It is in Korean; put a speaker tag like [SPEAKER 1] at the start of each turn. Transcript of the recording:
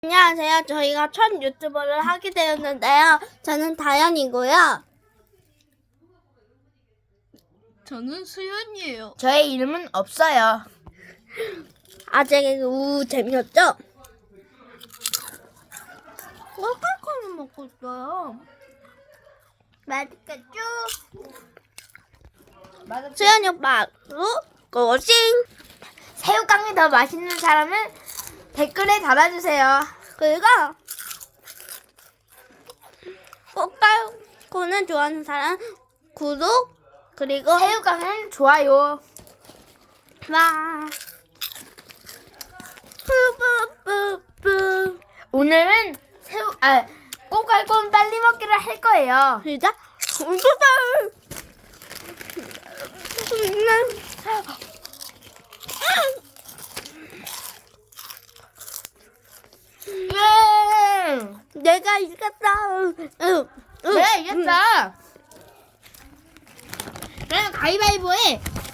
[SPEAKER 1] 안녕하세요. 저희가 첫 유튜버를 하게 되었는데요. 저는 다현이고요.
[SPEAKER 2] 저는 수연이에요.
[SPEAKER 3] 저의 이름은 없어요.
[SPEAKER 1] 아재 개그 재미없죠?
[SPEAKER 2] 꼴깍꼴깍 먹고 있어요.
[SPEAKER 1] 맛있겠죠? 수연이 오빠로 고싱!
[SPEAKER 3] 새우깡이 더 맛있는 사람은 댓글에 달아주세요.
[SPEAKER 1] 그리고 꽃갈콘을 좋아하는 사람 구독 그리고
[SPEAKER 3] 새우깡은 좋아요.
[SPEAKER 1] 와 뿌뿌뿌뿌
[SPEAKER 3] 오늘은 꼬깔콘 빨리 먹기를 할 거예요.
[SPEAKER 1] 시작! 우주다! 내가 이겼다.
[SPEAKER 3] 네, 이겼다. 그럼 가위바위보에